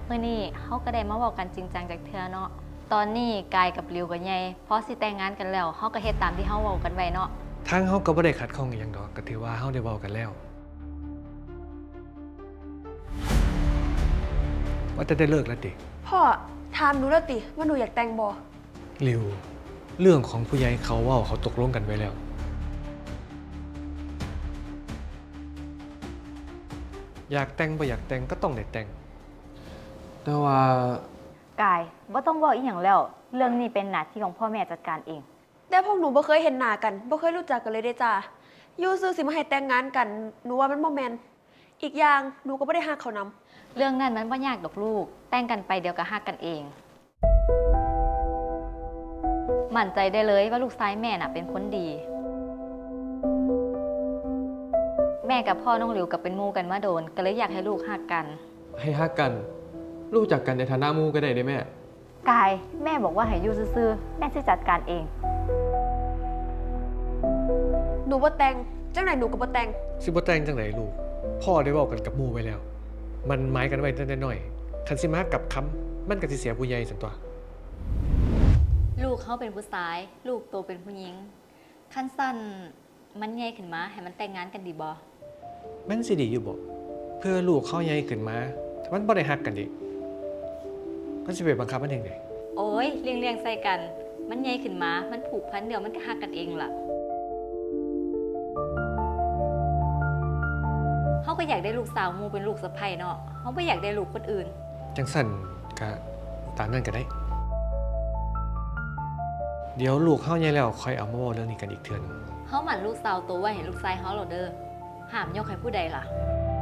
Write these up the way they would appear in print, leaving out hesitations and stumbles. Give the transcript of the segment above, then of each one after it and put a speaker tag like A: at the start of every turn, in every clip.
A: มื่อนี้เขาก็ได้มาบอกกันจริงจังจากเธอเนาะตอนนี้กายกับริวกับใหญ่พอสิแต่งงานกันแล้วเขาก็เฮ็ดตามที่เขาบอกกันไว้เนาะ
B: ทางเฮาก็บ่ได้ขัดข้องอหย่างดอกก็ถือว่าเฮาได้เว้ากันแล้วว่าจะได้เลิกแล้วติ
C: พ่อถามหนูแล้วติว่าหนูอยากแต่งบ่
B: ริวเรื่องของผู้ใหญ่เขาเว้าเขาตกลงกันไว้แล้วอยากแต่งบ่อยากแต่งก็ต้องได้แต่งแต่ว่าก
A: ายบ่ต้องบอกอีหยังแล้วเรื่องนี้เป็นหน้าที่ของพ่อแม่จัดการเอง
C: แต่พวกหนูบ่เคยเห็นหน้ากันบ่เคยรู้จักกันเลยเด้จ้าอยู่ซื่อสิมาให้แต่งงานกันหนูว่ามันบ่แม่นอีกอย่างหนูก็บ่ได้ฮักเขานำ
A: เรื่องนั้นมันบ่ยากดอกลูกแต่งกันไปเดี๋ยวก็ฮักกันเองมั่นใจได้เลยว่าลูกชายแม่น่ะเป็นคนดีแม่กับพ่อน้องหลิวกับเป็นหมู่กันมาโดนก็เลยอยากให้ลูกฮักกัน
B: ให้ฮักกันรู้จักกันในฐานะหมู่ก็ได้เด้แม่
A: กายแม่บอกว่าให้อยู่ซื่อๆแม่จะจัดการเอง
C: หนูบ่แต่งจังไหนหนูก็บ่แต่ง
B: สิบ่แต่งจังไดลูกพ่อได้เว้ากันกับหมู่ไว้แล้วมันหมายกันไว้แต่น้อยๆคันสิมากับคำมันก็สิเสียผู้ใหญ่ซั่นตัว
A: ลูกเขาเป็นผู้ชายลูกโตเป็นผู้หญิงขั้นสั้นมันใหญ่ขึ้นมาให้มันแต่งงานกันดีบ่
B: มันสิดีอยู่บ่เพื่อลูกเขาใหญ่ขึ้นมาถ้ามันบ่ได้ฮักกันดิมันสิไปบังคับมันเองได
A: โอ้ยเลี้ยงใส่กันมันใหญ่ขึ้นมามันผูกพันเดี๋ยวมันก็ฮักกันเองล่ะเขาก็อยากได้ลูกสาวหมู่เป็นลูกสะใภ้เนาะเขาไม่อยากได้ลูกคนอื่น
B: จังสั่นก็ตามนั้นก็ได้เดี๋ยวลูกเฮาใหญ่แล้วค่อยเอามาเว้าเรื่องนี้กันอีกเทื่อนึง
A: เขาหมั่นลูกสาวโตไว้ให้ลูกชายเขาเหรอเด้อห้ามยกให้ผู้ใดล่ะ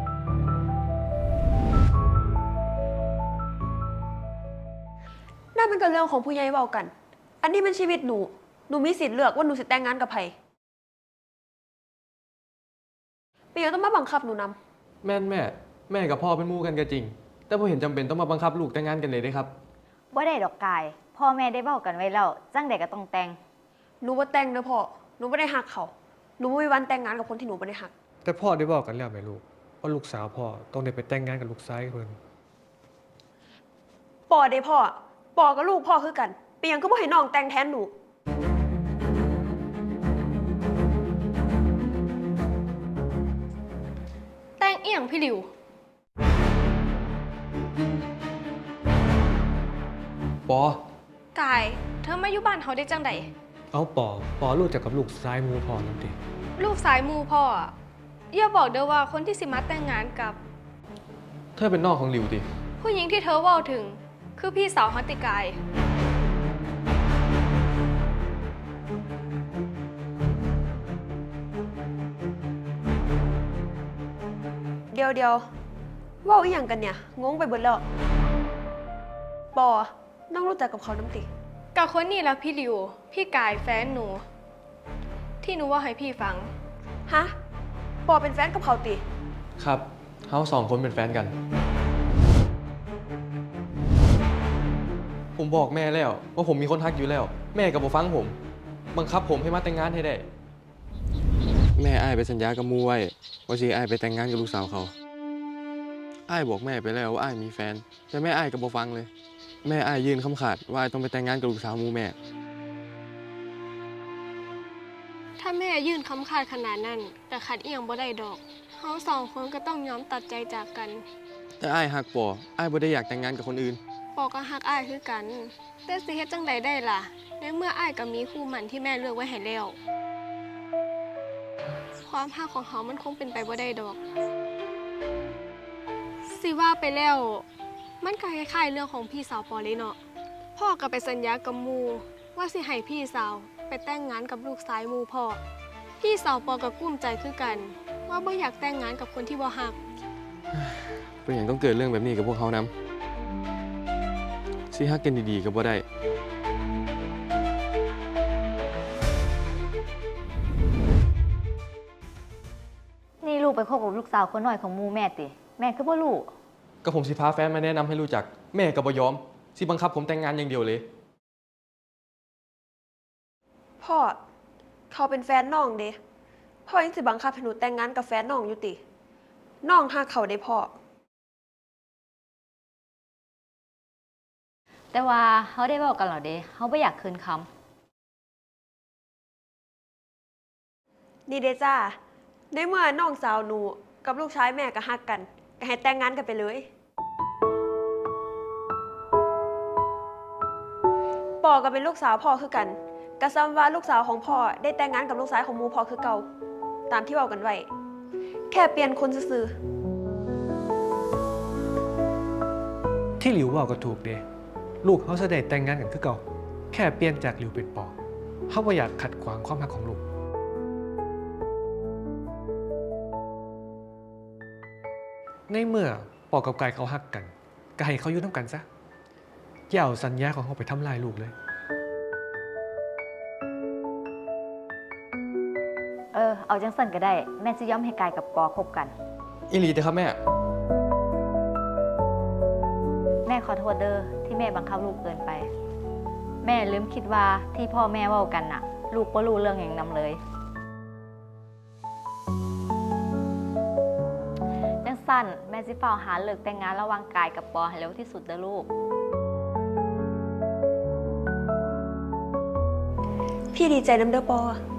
C: นั่นมันก็เรื่องของผู้ใหญ่เว้ากันอันนี้มันชีวิตหนูมีสิทธิ์เลือกว่าหนูสิแต่งงานกับไผเป็นหยังต้องมาบังคับหนูนำ
D: แม่กับพ่อเป็นหมู่กันก็จริงแต่บ่เห็นจำเป็นต้องมาบังคับลูกแต่งงานกันเลยเด้ครับ
A: บ่ได้ดอกกายพ่อแม่ได้เว้ากันไว้แล้วจังใดก็ต้องแต่ง
C: หนูบ่แต่งเด้อพ่อหนูบ่ได้ฮักเขาหนูบ่มีวันแต่งงานกับคนที่หนูบ่ได้ฮัก
B: แต่พ่อได้บอกกันแล้วแม่ลูกว่าลูกสาวพ่อต้องได้ไปแต่งงานกับลูกชายเพิ่น
C: ปอเด้พ่อปอกับลูกพ่อคือกันเป็นหยังคือบ่ให้น้องแต่งแทนหนู
E: แต่งเอี่ยงพี่หลิว
B: ปอก
E: ายเธอมาอยู่บ้านเขาได้จังใด
B: เอาปอรู้จักกับลูกชายหมู่พ่อนำติ
E: ลูกสายมูพ่ออะอย่าบอกเด้อว่าคนที่สิมาแต่งงานกับ
D: เธอเป็นน้องของหลิวติ
E: ผู้หญิงที่เธอเว้าถึงคือพี่สาวฮัตติกาย
C: เดี๋ยวเว้าอีหยังกันเนี่ยงงไปเบิดแล้วปอน้องรู้จักกับเขานำติ
E: กับคนนี้แล้วพี่หลิวพี่กายแฟนหนูที่หนูว่าให้พี่ฟัง
C: ฮะปอเป็นแฟนกับเขาติ
D: ครับเฮาสองคนเป็นแฟนกันผมบอกแม่แล้วว่าผมมีคนทักอยู่แล้วแม่ก็บ่ฟังผมบังคับผมให้มาแต่งงานให้ได้แม่อ้ายไปสัญญากับหมู่ไว้ว่าสิอ้ายไปแต่งงานกับลูกสาวเขาอ้ายบอกแม่ไปแล้วว่าอ้ายมีแฟนแต่แม่อ้ายก็บ่ฟังเลยแม่อ้ายยื่นคำขาดว่าอ้ายต้องไปแต่งงานกับลูกสาวหมู่แม่
E: ถ้าแม่ยื่นคำขาดขนาดนั้นแต่ขัดเอียงบ่ได้ดอกเฮาสองคนก็ต้องยอมตัดใจจากกัน
D: แต่อ้ายฮักปออ้ายบ่ได้อยากแต่งงานกับคนอื่น
E: ปอก็ฮักอ้ายคือกันแต่สิเฮ็ดจังใดได้ล่ะในเมื่ออ้ายก็มีคู่หมั่นที่แม่เลือกไว้ให้แล้วความฮักของเฮามันคงเป็นไปบ่ได้ดอกสิว่าไปแล้วมันก็คล้ายๆเรื่องของพี่สาวปอเลยเนาะพ่อก็ไปสัญญากับหมู่ว่าสิให้พี่สาวไปแต่งงานกับลูกชายหมู่พ่อพี่สาวปอก็กุ้มใจคือกันว่าบ่อยากแต่งงานกับคนที่บ่ฮัก
D: เป็นอย่างต้องเกิดเรื่องแบบนี้กับพวกเขานำสิฮักกันดีๆก็บ่ได้
A: นี่ลูกไปคบกับลูกสาวคนน้อยของหมู่แม่ติแม่คือบ่รู้
D: ก็ผมสิพาแฟนมาแนะนำให้รู้จักแม่ก็บ่ยอมสิบังคับผมแต่งงานอย่างเดียวเลย
C: พ่อเขาเป็นแฟนน้องเด้พ่อยังสิบังคับให้หนูแต่งงานกับแฟนน้องอยู่ติน้องฮักเขาได้พ่อ
A: แต่ว่าเขาได้บอกกันเหรอเด้เขาไม่อยากคืนค
C: นี่เด้จ้าในเมื่อน้องสาวหนูกับลูกชายแม่ก็ฮักกันก็ให้แต่งงานกันไปเลยปอก็เป็นลูกสาวพ่อคือกันกะซ้ำว่าลูกสาวของพ่อได้แต่งงานกับลูกชายของหมูพ่อคือเก่าตามที่เว้ากันไว้แค่เปลี่ยนคนซื่อ
B: ที่หลิวเว่าก็ถูกเด้ลูกเขาจะได้แต่งงานกันคือเก่าแค่เปลี่ยนจากหลิวเป็นปอเขาบ่อยากขัดขวางความรักของลูกในเมื่อปอกับกายเขาฮักกันก็ให้เขาอยู่น้ำกันซะอย่าเอาสัญญาของเขาไปทำลายลูกเลย
A: ำเอาจังสันก็ได้ แม่จะยอมให้กายกับปอคบกัน
D: อีหลีเด้อครับแม่
A: แม่ขอโทษเด้อที่แม่บังคับลูกเกินไป แม่ลืมคิดว่าที่พ่อแม่เว้ากันน่ะ ลูกบ่รู้เรื่องอย่างนำเลยจังสั้นแม่สิเฝ้าหาเลิกแต่งงานระหว่างกายกับปอให้เร็วที่สุดเด้อลูก
C: ๆ พี่ดีใจน้ำเด้อปอ